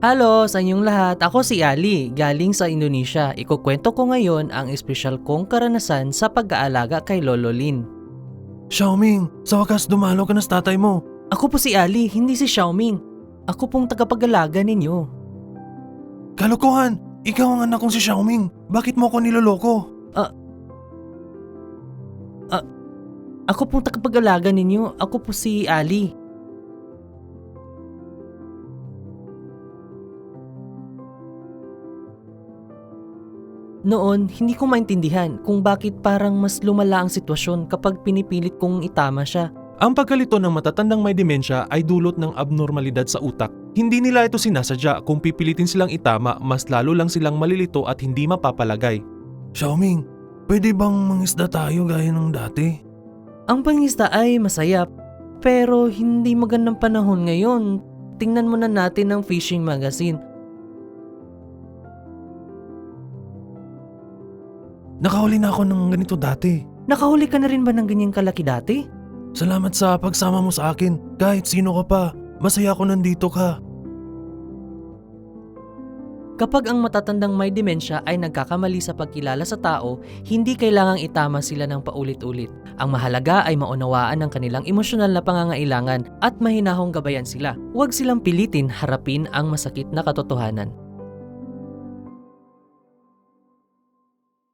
Halo sa inyong lahat, ako si Ali, galing sa Indonesia. Ikukwento ko ngayon ang espesyal kong karanasan sa pag-aalaga kay Lolo Lin. Xiaoming, sa wakas dumalo ka na sa tatay mo. Ako po si Ali, hindi si Xiaoming. Ako pong tagapag-alaga ninyo. Kalokohan! Ikaw ang anak kong si Xiaoming. Bakit mo ako niloloko? Ako pong tagapag-alaga ninyo. Ako po si Ali. Noon, hindi ko maintindihan kung bakit parang mas lumala ang sitwasyon kapag pinipilit kong itama siya. Ang pagkalito ng matatandang may demensya ay dulot ng abnormalidad sa utak. Hindi nila ito sinasadya. Kung pipilitin silang itama, mas lalo lang silang malilito at hindi mapapalagay. Xiaoming, pwede bang mangisda tayo gaya ng dati? Ang pangisda ay masaya, pero hindi magandang panahon ngayon. Tingnan muna natin ang fishing magazine. Nakahuli na ako ng ganito dati. Nakahuli ka na rin ba ng ganyang kalaki dati? Salamat sa pagsama mo sa akin. Kahit sino ka pa, masaya ako nandito ka. Kapag ang matatandang may demensya ay nagkakamali sa pagkilala sa tao, hindi kailangang itama sila ng paulit-ulit. Ang mahalaga ay maunawaan ang kanilang emosyonal na pangangailangan at mahinahong gabayan sila. Huwag silang pilitin harapin ang masakit na katotohanan.